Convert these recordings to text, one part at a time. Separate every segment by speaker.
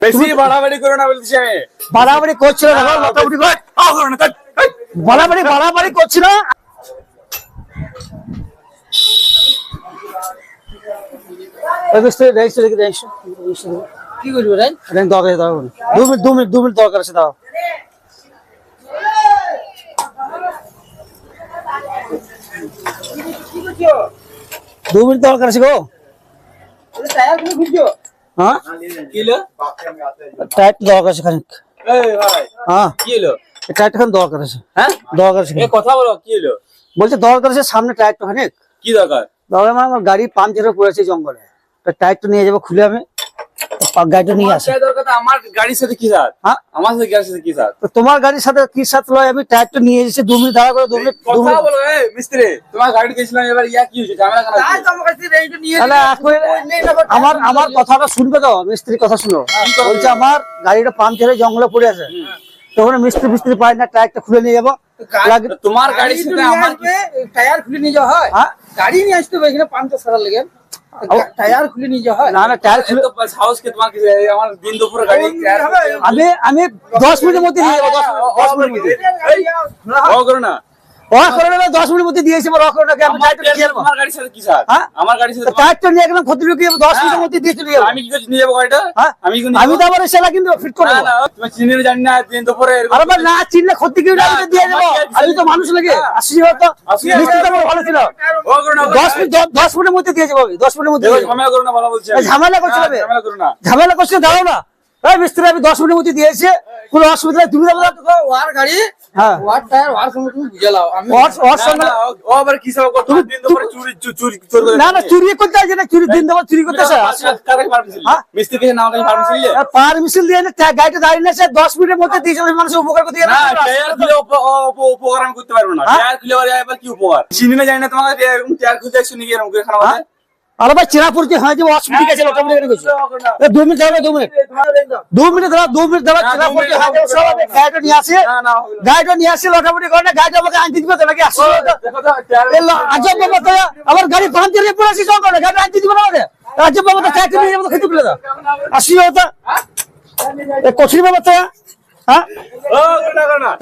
Speaker 1: বেশি বাড়াবাড়ি করো না বলছি আমি।
Speaker 2: বাড়াবাড়ি করছিল না, মোটামুটি বাড়াবাড়ি করছিল।
Speaker 3: কি করবো রাই?
Speaker 2: দরকার দাও, 2 মিনিট দরকার আছে, দাও। দু মিনিট দরকার আছে গো।
Speaker 3: টায়ার গুলো খুঁজছো?
Speaker 2: হ্যাঁ,
Speaker 1: কি হলো?
Speaker 2: টাইট দরকার আছে খানিক।
Speaker 1: এই ভাই,
Speaker 2: হ্যাঁ,
Speaker 1: কি হলো?
Speaker 2: টাইট খান দরকার আছে।
Speaker 1: হ্যাঁ,
Speaker 2: দরকার আছে,
Speaker 1: এই কথা বলো, কি হলো?
Speaker 2: বলছে দরকার আছে, সামনে টাইট খানিক
Speaker 1: কি দরকার?
Speaker 2: দরকার। মানে আমার গাড়ি পাঞ্চারে পড়েছে জঙ্গলে, টাইট নিয়ে যাবো খুলে, আমি গাড়িটা নিয়ে আসি।
Speaker 1: আমার দরকার তো আমার গাড়ির সাথে কি সাথ?
Speaker 2: হ্যাঁ,
Speaker 1: আমার সাথে গাড়ির সাথে কি সাথ?
Speaker 2: তো তোমার গাড়ির সাথে কি সাথে লয়, আমি টাইটটা নিয়ে এসেছি। 2 মিনিট দাঁড়া করে, 2 মিনিট
Speaker 1: কথা বলো। এই মিস্ত্রি, তোমার গাড়ি গেছিলাম, এবার ইয়া কি হয়েছে? ঝামেলা কেন
Speaker 3: তাই
Speaker 1: হচ্ছে?
Speaker 3: তো আমার কাছে এইটা নিয়ে
Speaker 2: তাহলে আমার কথাটা শুনবে তো, মিস্ত্রির কথা শুনো। বলছে আমার গাড়িটা পাঞ্চারে জঙ্গলে পড়ে আছে, তখন মিস্ত্রি পায় না, টায়ারটা খুলে নিয়ে যাবো।
Speaker 1: তোমার গাড়ির সাথে আমার
Speaker 3: টায়ার খুলে নিয়ে যাওয়া হয়?
Speaker 2: হ্যাঁ?
Speaker 3: গাড়ি নিয়ে আসতে হবে এখানে পাঞ্চার সারার লেগে, টায়ার খুলে নিয়ে যাওয়া হয়?
Speaker 2: না না, টায়ার খুলে
Speaker 1: সাহস কে তোমার কিছু? আমার দিন দুপুরে গাড়ি
Speaker 2: আমি 10 মিনিটের মধ্যে নিয়ে যাবো। 10 মিনিটের মধ্যে
Speaker 1: ও করো না।
Speaker 2: ওরা করে না, 10 মিনিটের মধ্যে দিয়েছি। আমার করে নাকি আমি টায়ারটা নিয়ে যাবো।
Speaker 1: তোমার গাড়ির সাথে কি সাথ?
Speaker 2: হ্যাঁ?
Speaker 1: আমার গাড়ির সাথে
Speaker 2: টায়ারটা নিয়ে গেলাম, ক্ষতি ঢুকিয়ে 10 মিনিটের মধ্যে দিয়ে চলে যাবো।
Speaker 1: আমি কি করে নিয়ে যাবো গাড়িটা?
Speaker 2: হ্যাঁ?
Speaker 1: আমি কি
Speaker 2: আমি তো আবার সেটা কিন্তু ফিট করে
Speaker 1: না
Speaker 2: দেবো।
Speaker 1: না, তুমি চিনি না, জানি না, দিন দুপুরে এরকম-
Speaker 2: আরে ভাই, না চিনলে ক্ষতি কি দিয়ে দেবো। আমি তো মানুষ লাগে, আসি হয়তো মিস্ত্রি তো আমার ভালো ছিল।
Speaker 1: ও করো না,
Speaker 2: 10 মিনিটের মধ্যে দিয়ে যাবো, আমি 10 মিনিটের মধ্যে
Speaker 1: দেখো,
Speaker 2: দিয়ে যাবো।
Speaker 1: ঝামেলা করো না, ভালো বলছি আমি।
Speaker 2: এই ঝামেলা করছে
Speaker 1: হ্যাঁ,
Speaker 2: হবে।
Speaker 1: ঝামেলা করো না।
Speaker 2: ঝামেলা করছে, দাঁড়াও না। এই মিস্ত্রি, আমি 10 মিনিটের মধ্যে দিয়েছি, কোনো অসুবিধা নেই, তুমি যাবো না।
Speaker 3: ওয়ার গাড়ি,
Speaker 2: হ্যাঁ,
Speaker 3: ওয়ার টায়ার, ওয়ার সঙ্গে তুমি বুঝে লাও। আমি
Speaker 2: ওর
Speaker 1: না,
Speaker 2: সঙ্গে
Speaker 1: না, ও আবার কি সব করতো? দিন দুপুরে চুরি করে
Speaker 2: না না, চুরি করতে আসে না, চুরি দিন দেবো, চুরি করতে আসে।
Speaker 1: কারে পারমিশন?
Speaker 2: হ্যাঁ?
Speaker 1: মিস্ত্রিকে নাও কাছে পারমিশন নিলে?
Speaker 2: পারমিশন দিয়ে না, গাড়িটা দাঁড়িয়ে না, 10 মিনিটের মধ্যে দিয়েছে, মানুষের উপকার করতে
Speaker 1: না, টায়ার খুলে উপকার আমি করতে পারবো না।
Speaker 2: হ্যাঁ?
Speaker 1: টায়ার খুলে এবার কি উপকার? চিনি না, জানি না, তোমাকে এরকম টায়ার খুলতে আসছো নাকি এরকম করে খারাপ হবে?
Speaker 2: আরে ভাই, চেনা পড়ছে হয় যে অসুবিধা গেছে, অটোমেটিক গেছে। 2 মিনিট দাঁড়াবে, 2 মিনিট 2 মিনিট দাঁড়া, 2 মিনিট দাঁড়া, চেনা পড়ছে হয় যে সব। আমি গাড়িটা নিয়ে আসি,
Speaker 1: না, না, হবে না।
Speaker 2: গাড়িটা নিয়ে আসি, অটোমেটিক করে না, গাড়িটা আমাকে আনতে দিবে তো নাকি? আসি
Speaker 1: দেখো তো, টায়ার-
Speaker 2: আজব বাবা, তো আমার গাড়ি পাঞ্চারে পড়ে আছে জঙ্গলে, গাড়ি আনতে দিবে না আমাদের? আজব বাবা, তো চাকরি নিয়ে যাবো, খেতে পেলে দাও। আসি হতো কঠিন বাবা, তো হ্যাঁ,
Speaker 1: ও করো না।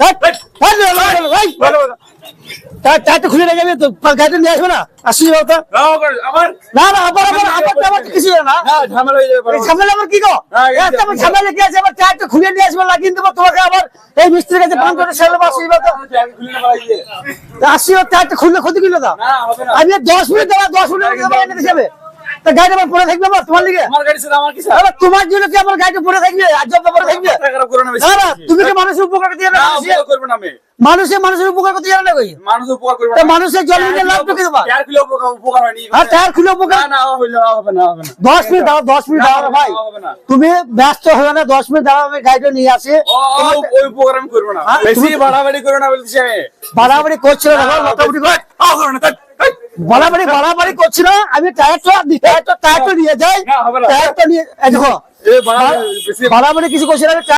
Speaker 2: চারটে খুলে রেখে যাবে তো, গাড়িটা নিয়ে আসবে না? আসি হতো
Speaker 1: নাও করো, আবার
Speaker 2: না না, আবার কিছু না।
Speaker 1: হ্যাঁ, ঝামেলা হয়ে যাবে।
Speaker 2: এই ঝামেলা আমার কি গো?
Speaker 1: হ্যাঁ, এই
Speaker 2: এত আমার ঝামেলা কি আছে? আবার টায়ারটা খুলে নিয়ে আসবে, লাগিয়ে দেবো তোমাকে, আবার এই মিস্ত্রির কাছে ফোন করে সেলে আসি তো।
Speaker 1: টায়ার খুলে না পাইলে।
Speaker 2: আসি টায়ারটা খুললে ক্ষতি কিলো দাও।
Speaker 1: না, হবে না।
Speaker 2: আমি 10 মিনিট দেওয়া, 10 মিনিট এনে যাবে, তা গাড়িটা আমার পরে থাকবে আবার তোমার লিগে?
Speaker 1: আমার গাড়ির সাথে আমার কি সাথ?
Speaker 2: আবার তোমার জন্য কি আমার গাড়িটা পরে থাকবে? আজব ব্যাপার থাকবে।
Speaker 1: মাথা খারাপ করো না বেশি।
Speaker 2: না না, তুমি কি মানুষের উপকার করতে জানো
Speaker 1: না,
Speaker 2: না?
Speaker 1: উপকার করবো না আমি।
Speaker 2: মানুষের উপকার করতে জানো না কই?
Speaker 1: মানুষের উপকার করবো
Speaker 2: তা
Speaker 1: না।
Speaker 2: মানুষের জল নিয়ে লাভ তো কি দেবা?
Speaker 1: টায়ার খুলে উপকার হয়নি।
Speaker 2: আর টায়ার খুলে উপকার?
Speaker 1: না, না, হবে না, হবে না, হবে না।
Speaker 2: 10 মিনিট দাঁড়াও, 10 মিনিট দাঁড়াও রে ভাই।
Speaker 1: হবে না।
Speaker 2: তুমি ব্যস্ত হবে না, 10 মিনিট দাঁড়াও, আমি গাড়িটা নিয়ে আসি।
Speaker 1: ওই উপকার আমি করবো না।
Speaker 2: হ্যাঁ,
Speaker 1: বেশি
Speaker 2: তুমি-
Speaker 1: বাড়াবাড়ি করো না বলছি আমি।
Speaker 2: বাড়াবাড়ি করছিল না, মোটামুটি করে
Speaker 1: করো না,
Speaker 2: বাড়াবাড়ি করছিল। আমি টায়ারটা নিয়ে যাই,
Speaker 1: না, হবে না।
Speaker 2: টায়ারটা নিয়ে এই দেখো,
Speaker 1: এ বাড়াবাড়ি বেশি
Speaker 2: বাড়াবাড়ি কিছু করছি না, আমি